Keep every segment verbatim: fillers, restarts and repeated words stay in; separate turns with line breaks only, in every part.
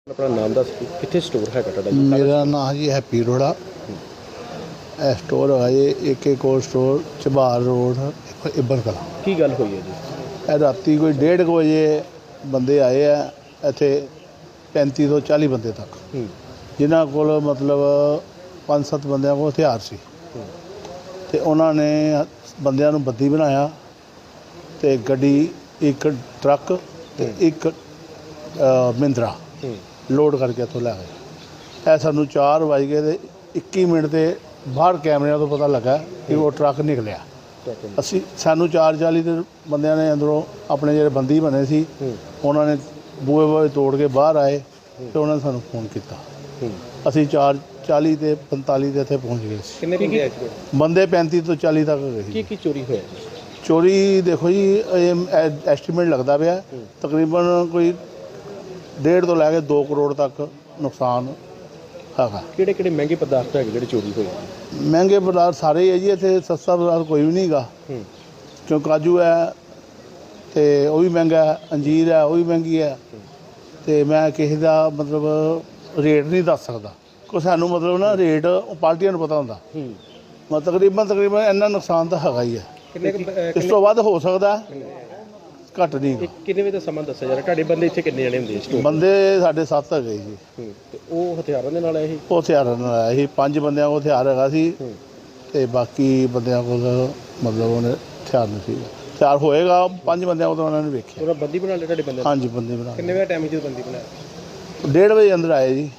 अपना नाम दस कितने स्टोर है ਤੁਹਾਡਾ?
मेरा नाम जी हैप्पी रोड़ा। ਇਹ स्टोर है जी एक एक और स्टोर चबार रोड इब्बल कला।
की गल हुई है जी?
ਇਹ ਰਾਤੀ ਕੋਈ डेढ़ ਕੁ ਵਜੇ ਬੰਦੇ ਆਏ ਆ ਇੱਥੇ पैंती ਤੋਂ चाली ਬੰਦੇ ਤੱਕ, ਜਿਨ੍ਹਾਂ ਕੋਲ ਮਤਲਬ ਪੰਜ ਸੱਤ ਬੰਦਿਆਂ ਕੋਲ ਹਥਿਆਰ ਸੀ ਤੇ ਉਹਨਾਂ ਨੇ ਬੰਦਿਆਂ ਨੂੰ ਬੱਦੀ ਬਣਾਇਆ ਤੇ ਗੱਡੀ ਇੱਕ ਟਰੱਕ ਤੇ ਇੱਕ ਮਹਿੰਦਰਾ ਲੋਡ ਕਰਕੇ ਇੱਥੋਂ ਲੈ ਗਏ। ਇਹ ਸਾਨੂੰ ਚਾਰ ਵੱਜ ਗਏ ਤੇ ਇੱਕੀ ਮਿੰਟ ਤੇ ਬਾਹਰ ਕੈਮਰਿਆਂ ਤੋਂ ਪਤਾ ਲੱਗਾ ਕਿ ਉਹ ਟਰੱਕ ਨਿਕਲਿਆ। ਅਸੀਂ ਸਾਨੂੰ ਚਾਰ ਚਾਲੀ ਦੇ ਬੰਦਿਆਂ ਨੇ ਅੰਦਰੋਂ ਆਪਣੇ ਜਿਹੜੇ ਬੰਦੀ ਬਣੇ ਸੀ ਉਹਨਾਂ ਨੇ ਬੂਹੇ ਬੂਹੇ ਤੋੜ ਕੇ ਬਾਹਰ ਆਏ ਤੇ ਉਹਨਾਂ ਨੇ ਸਾਨੂੰ ਫੋਨ ਕੀਤਾ। ਅਸੀਂ ਚਾਰ ਚਾਲੀ ਤੇ ਪੰਤਾਲੀ ਦੇ ਇੱਥੇ ਪਹੁੰਚ ਗਏ ਸੀ।
ਕਿੰਨੇ ਬੰਦੇ ਆਏ?
ਬੰਦੇ ਪੈਂਤੀ ਤੋਂ ਚਾਲੀ ਤੱਕ ਗਏ ਸੀ।
ਕੀ ਕੀ ਚੋਰੀ ਹੋਇਆ?
ਚੋਰੀ ਦੇਖੋ ਜੀ ਇਹ ਐਸਟੀਮੇਟ ਲੱਗਦਾ ਪਿਆ ਤਕਰੀਬਨ ਕੋਈ डेढ़ तो लैके दो करोड़ तक नुकसान है।
किहड़े किहड़े महंगे पदार्थ है जिहड़े चोरी होए?
महंगे पदार्थ सारे ही है जी, इत्थे सस्ता पदार्थ कोई भी नहीं गा। क्यों काजू है तो वह भी महंगा है, अंजीर है वह भी महंगी है। तो मैं किसी का मतलब रेट नहीं दस सकता को सानू मतलब ना रेट पार्टियां नूं पता होंदा। मतलब तकरीबन तकरीबन इन्ना नुकसान तो हैगा ही है, इस तो वध हो सकता है, घट नहीं।
कितने बजे का समा दस्या जा रहा? ਤੁਹਾਡੇ ਬੰਦੇ ਇੱਥੇ ਕਿੰਨੇ ਜਣੇ ਹੁੰਦੇ ਸਟੋਰ?
ਬੰਦੇ ਸਾਡੇ ਸੱਤ ਹੈਗੇ ਜੀ।
ਤੇ ਉਹ ਹਥਿਆਰਾਂ ਦੇ ਨਾਲ ਆਏ ਸੀ?
ਉਹ ਹਥਿਆਰਾਂ ਨਾਲ ਆਇਆ ਸੀ, ਪੰਜ ਬੰਦਿਆਂ ਕੋਲ ਹਥਿਆਰ ਹੈਗਾ ਸੀ ਤੇ ਬਾਕੀ ਬੰਦਿਆਂ ਕੋਲ ਮਤਲਬ ਉਹਨੇ ਹਥਿਆਰ ਨਹੀਂ ਸੀ। ਹਥਿਆਰ ਹੋਏਗਾ ਪੰਜ ਬੰਦਿਆਂ ਕੋਲ, ਉਹਨਾਂ ਨੇ ਵੇਖਿਆ।
ਉਹਨਾਂ ਬੰਦੀ ਬਣਾ ਲਿਆ ਤੁਹਾਡੇ ਬੰਦੇ?
ਹਾਂਜੀ ਬੰਦੀ ਬਣਾ।
ਕਿੰਨੇ ਵਜੇ ਟਾਈਮ ਜਦੋਂ ਬੰਦੀ ਬਣਾਇਆ?
ਡੇਢ ਵਜੇ ਅੰਦਰ ਆਏ ਜੀ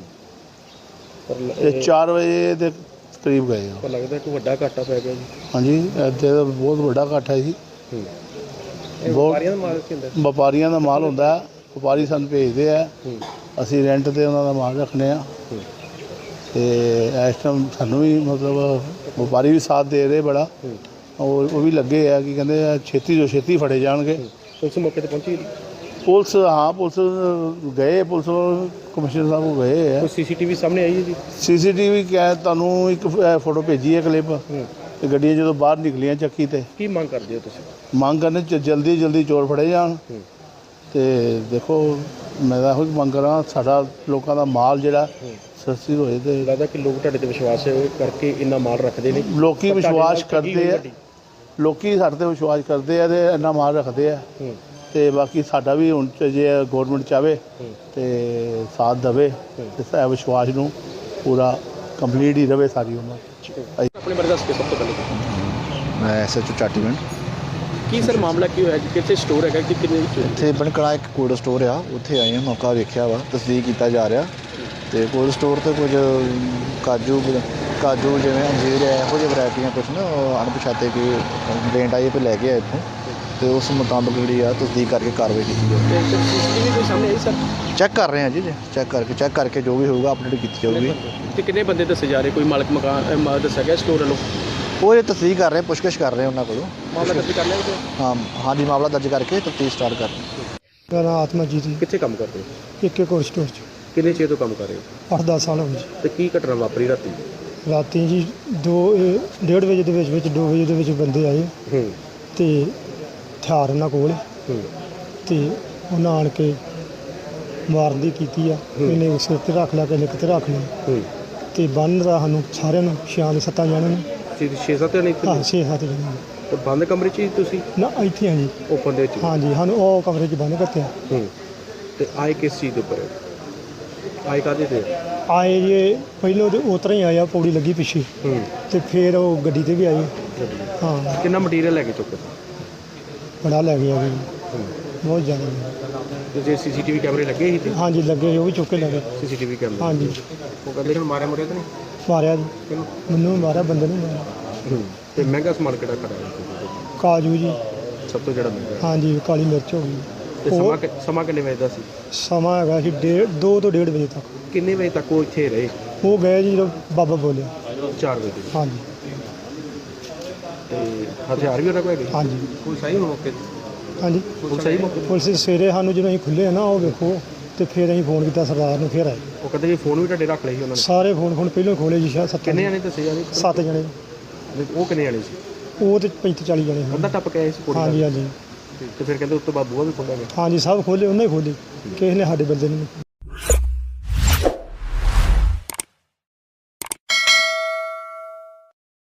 ਪਰ
ਤੇ ਚਾਰ ਵਜੇ ਦੇ ਕਰੀਬ ਗਏ।
ਪਰ ਲੱਗਦਾ ਕਿ ਵੱਡਾ ਘਾਟਾ ਪੈ ਗਿਆ ਜੀ।
ਹਾਂਜੀ ਇੱਥੇ ਤਾਂ ਬਹੁਤ ਵੱਡਾ ਘਾਟਾ ਹੈ ਜੀ।
ਵਪਾਰੀਆਂ ਦਾ ਮਾਲ ਕੀ ਹੁੰਦਾ?
ਵਪਾਰੀਆਂ ਦਾ ਮਾਲ ਹੁੰਦਾ, ਵਪਾਰੀ ਸਾਨੂੰ ਭੇਜਦੇ ਆ, ਅਸੀਂ ਰੈਂਟ 'ਤੇ ਉਹਨਾਂ ਦਾ ਮਾਲ ਰੱਖਦੇ ਆ ਤੇ ਇਸ ਟਾਈਮ ਸਾਨੂੰ ਵੀ ਮਤਲਬ ਵਪਾਰੀ ਵੀ ਸਾਥ ਦੇ ਰਹੇ ਬੜਾ, ਔਰ ਉਹ ਵੀ ਲੱਗੇ ਆ ਕਿ ਕਹਿੰਦੇ ਛੇਤੀ ਤੋਂ ਛੇਤੀ ਫੜੇ ਜਾਣਗੇ।
ਪੁਲਿਸ ਮੌਕੇ 'ਤੇ ਪਹੁੰਚੀ?
ਪੁਲਿਸ ਹਾਂ ਪੁਲਿਸ ਗਏ, ਪੁਲਿਸ ਕਮਿਸ਼ਨਰ ਸਾਹਿਬ ਕੋਲ ਗਏ ਆ।
ਕੋਈ ਸੀ ਸੀ ਟੀ ਵੀ ਸਾਹਮਣੇ ਆਈ ਹੈ ਜੀ?
ਸੀ ਸੀ ਟੀ ਵੀ ਕਿਹਾ ਤੁਹਾਨੂੰ ਇੱਕ ਫੋਟੋ ਭੇਜੀ ਹੈ ਕਲਿੱਪ ਤੇ ਗੱਡੀਆਂ ਜਦੋਂ ਬਾਹਰ ਨਿਕਲੀਆਂ ਚੱਕੀ ਤੇ।
ਕੀ ਮੰਗ ਕਰਦੇ ਹੋ ਤੁਸੀਂ?
ਮੰਗ ਕਰਨੇ ਚ ਜਲਦੀ ਜਲਦੀ ਚੋਰ ਫੜੇ ਜਾਣ ਤੇ ਦੇਖੋ ਮੈਂ ਤਾਂ ਇਹੋ ਮੰਗ ਕਰਾਂ ਸਾਡਾ ਲੋਕਾਂ ਦਾ ਮਾਲ ਜਿਹੜਾ ਸਸਤੀ ਹੋਏ। ਤੇ
ਲੱਗਦਾ ਕਿ ਲੋਕ ਤੁਹਾਡੇ ਤੇ ਵਿਸ਼ਵਾਸ ਕਰਕੇ ਇੰਨਾ ਮਾਲ ਰੱਖਦੇ ਨੇ?
ਲੋਕੀ ਵਿਸ਼ਵਾਸ ਕਰਦੇ ਆ, ਲੋਕੀ ਸਾਡੇ ਤੇ ਵਿਸ਼ਵਾਸ ਕਰਦੇ ਆ ਤੇ ਇੰਨਾ ਮਾਲ ਰੱਖਦੇ ਆ ਤੇ ਬਾਕੀ ਸਾਡਾ ਵੀ ਹੁਣ ਜੇ ਗੌਰਮੈਂਟ ਚਾਹਵੇ ਤੇ ਸਾਥ ਦੇਵੇ ਤੇ ਵਿਸ਼ਵਾਸ ਨੂੰ ਪੂਰਾ ਕੰਪਲੀਟ ਹੀ ਰਵੇ ਸਾਰੀ ਉਮਰ।
ਆਪਣੇ ਬਾਰੇ ਦੱਸ ਕੇ ਸਭ ਤੋਂ ਪਹਿਲੇ
ਮੈਂ ਐਸ ਐਚ ਓ ਚਾਟੀਵਿੰਡ।
ਕੀ ਸਰ ਮਾਮਲਾ ਕੀ ਹੋਇਆ? ਕਿੱਥੇ ਸਟੋਰ ਹੈਗਾ ਕਿ ਕਿੰਨੇ ਵਿੱਚ?
ਇੱਥੇ ਬਣਕੜਾ ਇੱਕ ਕੋਲਡ ਸਟੋਰ ਆ, ਉੱਥੇ ਆਏ ਹਾਂ, ਮੌਕਾ ਵੇਖਿਆ ਵਾ, ਤਸਦੀਕ ਕੀਤਾ ਜਾ ਰਿਹਾ ਤੇ ਕੋਲਡ ਸਟੋਰ 'ਤੇ ਕੁਝ ਕਾਜੂ ਕਾਜੂ ਜਿਵੇਂ ਅੰਜੀਰ ਹੈ ਇਹੋ ਜਿਹੀ ਵੈਰਾਈਟੀਆਂ ਕੁਛ ਨਾ ਅਣਪਛਾਤੇ ਕਿ ਕੰਪਲੇਂਟ ਆਈ ਪੇ ਲੈ ਕੇ ਆਏ ਇੱਥੋਂ ਤੇ ਉਸ ਮੁਤਾਬਕ ਜਿਹੜੀ ਆ ਤਸਦੀਕ ਕਰਕੇ ਕਾਰਵਾਈ ਕੀਤੀ ਜਾਵੇ।
ਸੀ ਸੀ ਟੀ ਵੀ ਕੋਈ ਸਾਹਮਣੇ ਆਈ ਸਰ?
ਚੈੱਕ ਕਰ ਰਹੇ ਹਾਂ ਜੀ, ਚੈੱਕ ਕਰਕੇ ਚੈੱਕ ਕਰਕੇ ਜੋ ਵੀ ਹੋਊਗਾ ਅਪਡੇਟ ਕੀਤੀ ਜਾਊਗੀ।
ਤੇ ਕਿੰਨੇ ਬੰਦੇ ਦੱਸੇ ਜਾ ਰਹੇ? ਕੋਈ ਮਾਲਕ ਮਕਾਨ ਦੱਸਿਆ ਗਿਆ ਸਟੋਰ ਵੱਲੋਂ?
ਉਹ ਇਹ ਤਸਦੀਕ ਕਰ ਰਹੇ, ਪੁੱਛਗਿੱਛ ਕਰ ਰਹੇ ਉਹਨਾਂ ਕੋਲੋਂ।
ਮਾਮਲਾ ਦਰਜ ਕਰ ਲਿਆ?
ਹਾਂ ਹਾਂਜੀ ਮਾਮਲਾ ਦਰਜ ਕਰਕੇ ਤਫਤੀਸ਼ ਸਟਾਰਟ ਕਰ ਰਹੇ।
ਮੇਰਾ ਨਾਮ ਆਤਮਜੀਤ ਜੀ।
ਕਿੱਥੇ ਕੰਮ ਕਰਦੇ ਹੋ?
ਇੱਕ ਇੱਕ ਹੋਰ ਸਟੋਰ 'ਚ
ਕਿੰਨੇ ਚਿਰ ਤੋਂ ਕੰਮ ਕਰ ਰਹੇ ਹੋ?
ਅੱਠ ਦਸ ਸਾਲ ਹੋ ਗਏ ਜੀ।
ਤੇ ਕੀ ਘਟਨਾ ਵਾਪਰੀ ਰਾਤੀ?
ਰਾਤੀ ਜੀ ਦੋ ਇਹ ਡੇਢ ਵਜੇ ਦੇ ਵਿੱਚ ਵਿੱਚ ਦੋ ਵਜੇ ਦੇ ਵਿੱਚ ਬੰਦੇ ਆਏ
ਹੂੰ
ਤੇ ਹਥਿਆਰ ਉਹਨਾਂ ਕੋਲ
ਹੂੰ
ਤੇ ਉਹਨਾਂ ਆਣ ਕੇ ਮਾਰਨ ਦੀ ਕੀਤੀ ਆ। ਇਹਨੇ ਸਿਰ 'ਤੇ ਰੱਖ ਲਿਆ, ਕਿਸੇ ਕਿਤੇ ਰੱਖ ਲਿਆ
ਹੂੰ
ਤੇ ਬੰਨ ਦਾ ਸਾਨੂੰ ਸਾਰਿਆਂ ਨੂੰ ਛਿਆਂ ਦੇ ਸੱਤਾਂ ਜਣਿਆਂ ਨੂੰ।
ਛੇ ਸੱਤ ਜਣੇ ਇੱਥੇ?
ਹਾਂ ਛੇ ਸੱਤ ਜਣਿਆਂ ਨੂੰ।
ਤੇ ਬੰਦ ਕਮਰੇ 'ਚ ਹੀ ਤੁਸੀਂ?
ਨਾ ਇੱਥੇ ਹਾਂ ਜੀ,
ਓਪਨ ਦੇ ਵਿੱਚ?
ਹਾਂਜੀ ਸਾਨੂੰ ਉਹ ਕਮਰੇ 'ਚ ਬੰਦ ਕਰਤੇ।
ਹੂੰ ਤੇ ਆਏ ਕਿਸ ਚੀਜ਼ ਦੇ ਉੱਪਰ? ਆਏ ਕਾਹਦੇ ਤੇ?
ਆਏ ਜੀ ਪਹਿਲੋਂ ਤੇ ਉਤਰਾ ਹੀ ਆਇਆ, ਪੌੜੀ ਲੱਗੀ ਪਿੱਛੇ
ਹੂੰ
ਤੇ ਫਿਰ ਉਹ ਗੱਡੀ 'ਤੇ ਵੀ ਆਏ। ਹਾਂ
ਕਿੰਨਾ ਮਟੀਰੀਅਲ ਲੈ ਕੇ ਚੁੱਕੇ?
ਬੜਾ ਲੈ ਗਿਆ ਜੀ, ਬਹੁਤ ਜ਼ਿਆਦਾ।
ਤੇ ਜੇ ਸੀ ਸੀ ਟੀ ਵੀ ਕੈਮਰੇ ਲੱਗੇ ਸੀ ਤੇ?
ਹਾਂਜੀ ਲੱਗੇ, ਉਹ ਵੀ ਚੁੱਕ ਕੇ ਲੈ ਗਏ।
ਸੀ ਸੀ ਟੀ ਵੀ ਕੈਮਰੇ?
ਹਾਂਜੀ।
ਉਹ ਕਹਿੰਦੇ ਕਿ ਮਾਰਿਆ ਮੁਰਿਆ ਤਾਂ ਨਹੀਂ?
ਮਾਰਿਆ ਜੀ,
ਕਿਹਨੂੰ?
ਮੈਨੂੰ ਮਾਰਿਆ, ਬੰਦੇ ਨੂੰ ਮਾਰਿਆ।
ਹੂੰ ਤੇ ਮਹਿੰਗਾ ਸਮਾਨ ਕਿਹੜਾ ਖੜਾ?
ਕਾਜੂ ਜੀ।
ਸਭ ਤੋਂ ਜਿਹੜਾ ਮਹਿੰਗਾ?
ਹਾਂਜੀ ਕਾਲੀ ਮਿਰਚ ਹੋ ਗਈ।
ਤੇ ਸਮਾਂ ਕਿ- ਸਮਾਂ ਕਿੰਨੇ ਵਜੇ ਦਾ ਸੀ?
ਸਮਾਂ ਹੈਗਾ ਸੀ ਡੇਢ ਦੋ ਤੋਂ ਡੇਢ ਵਜੇ ਤੱਕ।
ਕਿੰਨੇ ਵਜੇ ਤੱਕ ਉਹ ਇੱਥੇ ਰਹੇ?
ਉਹ ਗਏ ਜੀ ਜਦੋਂ ਬਾਬਾ ਬੋਲਿਆ।
ਚਾਰ ਵਜੇ?
ਹਾਂਜੀ
ਤੇ ਹਥਿਆਰ ਵੀ ਉਹਨਾਂ ਕੋਲ ਹੈਗੇ?
ਹਾਂਜੀ
ਕੋਈ ਸਹੀ ਮੌਕੇ ਤੇ?
ਹਾਂਜੀ
ਕੋਈ ਸਹੀ ਮੌਕੇ ਤੇ?
ਪੁਲਿਸ ਸਵੇਰੇ ਸਾਨੂੰ ਜਦੋਂ ਅਸੀਂ ਖੁੱਲੇ ਨਾ ਉਹ ਵੇਖੋ ਤੇ ਫਿਰ ਅਸੀਂ ਫੋਨ ਕੀਤਾ ਸਰਦਾਰ ਨੂੰ, ਫਿਰ ਆਏ
ਉਹ ਕਹਿੰਦੇ ਜੀ ਫੋਨ ਵੀ ਤੁਹਾਡੇ ਰੱਖ ਲਏ ਸੀ ਉਹਨਾਂ ਨੇ?
ਸਾਰੇ ਫੋਨ ਫੋਨ ਪਹਿਲਾਂ ਖੋਲੇ ਜੀ, ਸ਼ਾਇਦ ਸੱਤ
ਕਿੰਨੇ ਜਣੇ ਦੱਸੇ ਜਾ ਰਹੇ?
ਸੱਤ ਜਣੇ।
ਉਹ ਕਿੰਨੇ ਜਣੇ ਸੀ?
ਉਹ ਤੇ ਪੈਂਤੀ ਚਾਲੀ ਜਣੇ ਸੀ।
ਅੱਧਾ ਟੱਪ ਕੇ ਆਏ ਸੀ ਕੋਲ?
ਹਾਂਜੀ ਹਾਂਜੀ
ਤੇ ਫਿਰ ਕਹਿੰਦੇ ਉਸ ਤੋਂ ਬਾਅਦ ਬੂਹਾ ਵੀ ਖੋਲ੍ਹਿਆ ਗਿਆ?
ਹਾਂਜੀ ਸਭ ਖੋਲੇ, ਉਹਨੇ ਹੀ ਖੋਲੇ, ਕਿਸੇ ਨੇ ਸਾਡੇ ਬੰਦੇ ਨੂੰ।